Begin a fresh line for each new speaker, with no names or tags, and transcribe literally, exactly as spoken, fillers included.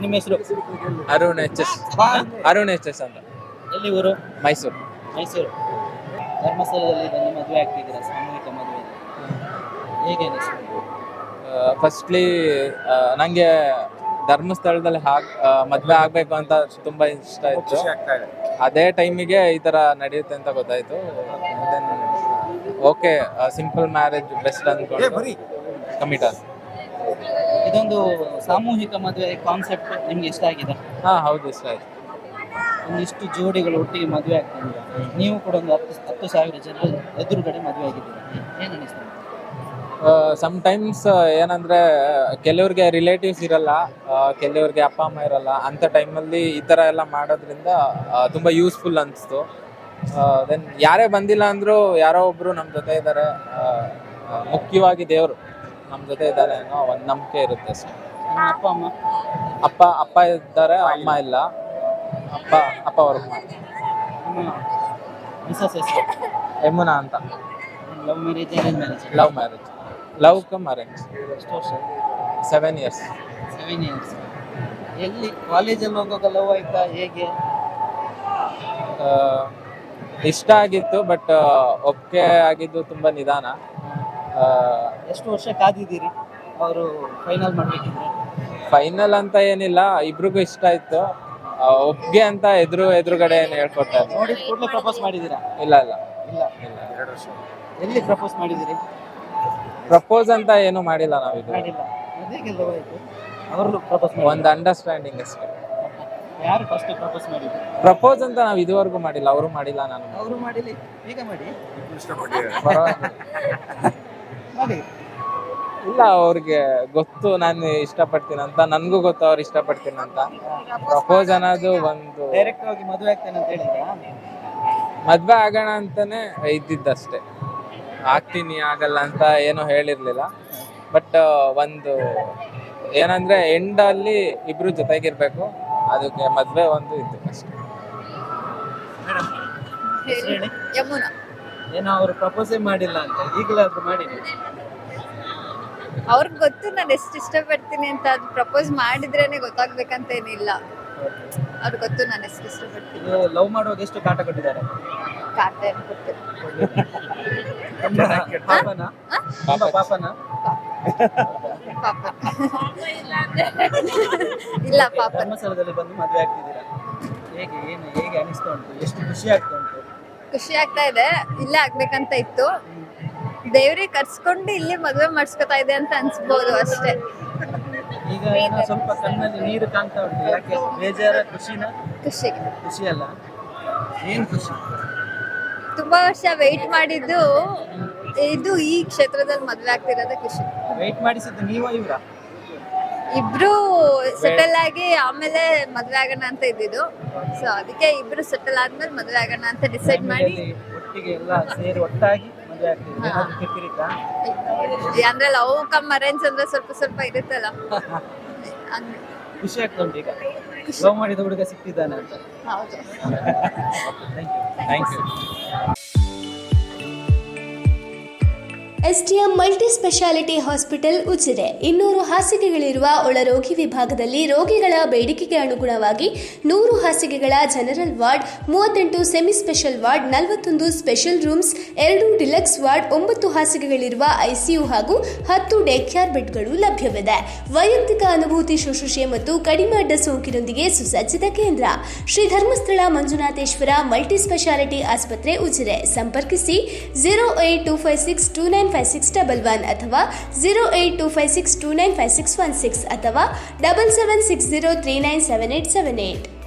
ನಿಮ್ಮ ಹೆಸರು?
Arun H S Arun H S ಅಂತ.
ಎಲ್ಲಿ ಊರು?
ಮೈಸೂರು.
ಮೈಸೂರು. ಧರ್ಮಸ್ಥಳದಲ್ಲಿ ಬಂದು ಮದುವೆ ಆಗ್ತಿದ್ದೀರಾ, ಸಾಮೂಹಿಕ ಮದುವೆ, ಹೇಗೆ ಅನಿಸ್ತು?
ಫಸ್ಟ್ಲಿ ನನಗೆ ಧರ್ಮಸ್ಥಳದಲ್ಲಿ ಹಾಕ್ ಮದುವೆ ಆಗಬೇಕು ಅಂತ ತುಂಬ ಇಷ್ಟ ಇತ್ತು. ಅದೇ ಟೈಮಿಗೆ ಈ ಥರ ನಡೆಯುತ್ತೆ ಅಂತ ಗೊತ್ತಾಯಿತು. Then okay, simple marriage best ಅಂದ್ಕೊಂಡು ಕಮಿಟ್ ಆದ.
ಇದೊಂದು ಸಾಮೂಹಿಕ ಮದುವೆ ಕಾನ್ಸೆಪ್ಟ್ ನಿಮ್ಗೆ ಇಷ್ಟ ಆಗಿದೆ?
ಹಾಂ ಹೌದು, ಇಷ್ಟ ಆಯಿತು.
ಒಂದಿಷ್ಟು ಜೋಡಿಗಳು ಒಟ್ಟಿಗೆ ಮದುವೆ ಆಗ್ತಿದ್ದೀರಾ, ನೀವು ಕೂಡ ಒಂದು ಹತ್ತು ಹತ್ತು ಸಾವಿರ ಜನರ ಎದುರುಗಡೆ ಮದುವೆ ಆಗಿದ್ದೀರಾ, ಏನು ಅನಿಸ್ತದೆ?
ಸಮ್ಟೈಮ್ಸ್ ಏನಂದರೆ ಕೆಲವ್ರಿಗೆ ರಿಲೇಟಿವ್ಸ್ ಇರಲ್ಲ, ಕೆಲವ್ರಿಗೆ ಅಪ್ಪ ಅಮ್ಮ ಇರಲ್ಲ. ಅಂಥ ಟೈಮಲ್ಲಿ ಈ ಥರ ಎಲ್ಲ ಮಾಡೋದ್ರಿಂದ ತುಂಬ ಯೂಸ್ಫುಲ್ ಅನಿಸ್ತು. ದೆನ್ ಯಾರೇ ಬಂದಿಲ್ಲ ಅಂದರೂ ಯಾರೋ ಒಬ್ಬರು ನಮ್ಮ ಜೊತೆ ಇದ್ದಾರೆ, ಮುಖ್ಯವಾಗಿ ದೇವರು ನಮ್ಮ ಜೊತೆ ಇದ್ದಾರೆ ಅನ್ನೋ ಒಂದು ನಂಬಿಕೆ ಇರುತ್ತೆ ಅಷ್ಟೇ.
ನಿಮ್ಮ ಅಪ್ಪ ಅಮ್ಮ?
ಅಪ್ಪ ಅಪ್ಪ ಇದ್ದಾರೆ, ಅಮ್ಮ ಇಲ್ಲ. ಅಪ್ಪ ಅಪ್ಪ ವರ್ಕ್ ಮಾಡ್ತಾರೆ.
ನಿಮ್ಮ ಮಿಸಸ್ ಹೆಸರು?
ಯಮುನಾ ಅಂತ.
Love marriage, arrange marriage?
Love marriage. Love cum arrange.
ಎಷ್ಟು ವರ್ಷ?
Seven years.
Seven years. ಎಲ್ಲಿ ಕಾಲೇಜಲ್ಲಿ ಹೋಗುವಾಗ ಲವ್ ಆಯ್ತಾ, ಹೇಗೆ?
ಇಷ್ಟ ಆಗಿತ್ತು, ಬಟ್ ಒಪ್ಪಿಗೆ ಆಗಿದ್ದು ತುಂಬ ನಿಧಾನ.
ಎಷ್ಟು ವರ್ಷ ಕಾದಿದ್ದೀರಿ ಅವರು ಫೈನಲ್ ಮಾಡಬೇಕಿದ್ರೆ?
ಫೈನಲ್ ಅಂತ ಏನಿಲ್ಲ, ಇಬ್ರಿಗೂ ಇಷ್ಟ ಇತ್ತು. ಒಪ್ಪಿಗೆ ಅಂತ ಎದುರು ಎದುರುಗಡೆ ಏನು ಹೇಳ್ಕೊತಾರೆ.
ನೋಡಿ ಕೂಡಲೇ ಪ್ರಪೋಸ್ ಮಾಡಿದ್ದೀರಾ?
ಇಲ್ಲ ಇಲ್ಲ
ಇಲ್ಲ.
ಇಲ್ಲ ಎರಡು ವರ್ಷ.
ಎಲ್ಲಿ ಪ್ರಪೋಸ್ ಮಾಡಿದ್ದೀರಿ?
ಪ್ರಪೋಸ್ ಅಂತ ಏನು ಮಾಡಿಲ್ಲ ನಾವಿದು.
ಮಾಡಿಲ್ಲ. ಅದೇಗೆ ಲವ್ ಆಯಿತು? ಅವರು ಪ್ರಪೋಸ್ ಮಾಡಿ
ಒಂದು ಅಂಡರ್ಸ್ಟ್ಯಾಂಡಿಂಗ್ ಅಷ್ಟೇ.
ಯಾರು ಫಸ್ಟ್ ಪ್ರಪೋಸ್ ಮಾಡಿದ್ರು?
ಪ್ರಪೋಸ್ ಅಂತ ನಾವು ಇದುವರೆಗೂ ಮಾಡಿಲ್ಲ, ಅವರು ಮಾಡಿಲ್ಲ, ನಾನು
ಅವರು ಮಾಡಿಲ್ಲ. ಈಗ ಮಾಡಿ
ಪರವಾಗಿಲ್ಲ.
ಮಾಡಿ.
ಇಲ್ಲ, ಅವ್ರಿಗೆ ಗೊತ್ತು ನಾನು ಇಷ್ಟಪಡ್ತೀನಿ ಅಂತ, ನನಗೂ ಗೊತ್ತು ಅವ್ರು ಇಷ್ಟಪಡ್ತೀನಿ ಅಂತ. ಪ್ರಪೋಸ್ ಅನ್ನೋದು ಒಂದು
ಡೈರೆಕ್ಟ್ ಆಗಿ ಮದುವೆ ಆಗ್ತೇನೆ ಅಂತ ಹೇಳಿದ್ರಾ?
ಮದ್ವೆ ಆಗೋಣ ಅಂತಾನೆ ಇದ್ದಿದ್ದಷ್ಟೇ. ಆಗ್ತೀನಿ ಆಗಲ್ಲ ಅಂತ ಏನೂ ಹೇಳಿರ್ಲಿಲ್ಲ. ಬಟ್ ಒಂದು ಏನಂದ್ರೆ ಎಂಡಲ್ಲಿ ಇಬ್ರು ಜೊತೆಗಿರ್ಬೇಕು, ಅದಕ್ಕೆ ಮದ್ವೆ ಒಂದು ಇದ್ದು ಅಷ್ಟೇ.
ಹೇಳಿ.
ಯಮುನಾ.
ಏನೋ ಅವರು ಪ್ರಪೋಸೇ ಮಾಡಿಲ್ಲ ಅಂತ, ಈಗಲಾದ್ರೂ ಮಾಡಿ.
ಅವ್ರಿಗೆ ಗೊತ್ತು ನಾನು ಎಷ್ಟು ಇಷ್ಟಪಡ್ತೀನಿ ಅಂತ, ಅದು ಪ್ರಪೋಸ್ ಮಾಡಿದ್ರೇನೆ ಗೊತ್ತಾಗ್ಬೇಕಂತ ಏನಿಲ್ಲ. ಅವ್ರಿಗೆ ಗೊತ್ತು ನಾನು ಎಷ್ಟು ಇಷ್ಟಪಡ್ತೀನಿ.
ಇದು ಲವ್ ಮಾಡುವಾಗ ಎಷ್ಟು ಕಾಟ ಕೊಟ್ಟಿದ್ದಾರೆ?
ಕಾಟ ಏನು ಕೊಡ್ತೀನಿ.
ಪಾಪನ? ಪಾಪ ಪಾಪನ?
ಪಾಪ ಇಲ್ಲ, ಪಾಪ.
ಧರ್ಮಸ್ಥಳದಲ್ಲಿ ಬಂದು ಮದುವೆ ಆಗ್ತಿದ್ದೀರಾ, ಹೇಗೆ ಏನು ಹೇಗೆ ಅನಿಸ್ತಾ ಉಂಟು? ಎಷ್ಟು ಖುಷಿ ಆಗ್ತಾ ಉಂಟು?
ಖುಷಿ ಆಗ್ತಾ ಇದೆ. ಇಲ್ಲೇ ಆಗ್ಬೇಕಂತ ಇತ್ತು, ದೇವ್ರಿಗೆ ಕರ್ಸ್ಕೊಂಡು ಇಲ್ಲಿ ಮದುವೆ ಮಾಡಿಸ್ಕೊತಾ ಇದೆ ಅಂತ ಅನ್ಸ್ಬೋದು ಅಷ್ಟೇ.
ಈಗ ಏನೋ ಸ್ವಲ್ಪ ಕಣ್ಣಲ್ಲಿ ನೀರು ಕಾಣ್ತಾ ಉಂಟು, ಯಾಕೆ? ಬೇಜಾರ, ಖುಷಿನ?
ಖುಷಿ.
ಖುಷಿ ಅಲ್ಲ, ಏನ್ ಖುಷಿ?
ತುಂಬಾ ವರ್ಷ ವೆಯ್ಟ್ ಮಾಡಿದ್ದು ಇದು ಈ ಕ್ಷೇತ್ರದಲ್ಲಿ ಮದುವೆ ಆಗ್ತಿರೋದೇ ಖುಷಿ.
ವೆಯ್ಟ್ ಮಾಡಿಸಿದ್ದು ನೀವ ಇವ್ರ?
ಇಬ್ರು ಸೆಟಲ್ ಆಗಿ ಆಮೇಲೆ ಮದುವೆ ಆಗೋಣ ಅಂತ ಇದ್ದಿದ್ದು. ಸೊ ಅದಕ್ಕೆ ಇಬ್ರು ಸೆಟಲ್ ಆದ್ಮೇಲೆ ಮದುವೆ ಆಗೋಣ ಅಂತ ಡಿಸೈಡ್ ಮಾಡಿ
ಒಟ್ಟಿಗೆ ಎಲ್ಲ ಸೇರಿ ಒಟ್ಟಾಗಿ ಮದುವೆ ಆಗ್ತಿದ್ದೀವಿ. ಏನಾದ್ರು ಕಿರಿಕಿರಿತಾ?
ಅಂದ್ರೆ ಲವ್ ಕಮ್ ಅರೇಂಜ್ ಅಂದ್ರೆ ಸ್ವಲ್ಪ ಸ್ವಲ್ಪ ಇರುತ್ತಲ್ಲ, ಹಂಗೆ.
ಖುಷಿ ಆಗ್ತಾ ಉಂಟು ಈಗ ಲವ್ ಮಾಡಿದ ಹುಡುಗ ಸಿಕ್ತಿದ್ದಾನೆ ಅಂತ?
ಹೌದು.
Thank you.
STM multi speciality hospital Ujire ಇನ್ನೂರು ಹಾಸಿಗೆಗಳಿರುವ ಒಳರೋಗಿ ವಿಭಾಗದಲ್ಲಿ ರೋಗಿಗಳ ಬೇಡಿಕೆಗೆ ಅನುಗುಣವಾಗಿ ನೂರು ಹಾಸಿಗೆಗಳ ಜನರಲ್ ವಾರ್ಡ್, ಮೂವತ್ತೆಂಟು ಸೆಮಿ ಸ್ಪೆಷಲ್ ವಾರ್ಡ್, ನಲವತ್ತೊಂದು ಸ್ಪೆಷಲ್ ರೂಮ್ಸ್, ಎರಡು ಡಿಲಕ್ಸ್ ವಾರ್ಡ್, ಒಂಬತ್ತು ಹಾಸಿಗೆಗಳಿರುವ ಐಸಿಯು ಹಾಗೂ ಹತ್ತು ಡೇ ಕೇರ್ ಬೆಡ್ಗಳು ಲಭ್ಯವಿದೆ. ವೈಯಕ್ತಿಕ ಅನುಭೂತಿ ಶುಶ್ರೂಷೆ ಮತ್ತು ಕಡಿಮೆ ಅಡ್ಡ ಸೋಂಕಿನೊಂದಿಗೆ ಸುಸಜ್ಜಿತ ಕೇಂದ್ರ ಶ್ರೀ ಧರ್ಮಸ್ಥಳ ಮಂಜುನಾಥೇಶ್ವರ ಮಲ್ಟಿ ಸ್ಪೆಷಾಲಿಟಿ ಆಸ್ಪತ್ರೆ ಉಜಿರೆ. ಸಂಪರ್ಕಿಸಿ zero eight two five six two nine five six double one ಅಥವಾ zero eight two five six two nine five six one six ಅಥವಾ double seven six zero three nine seven eight seven eight.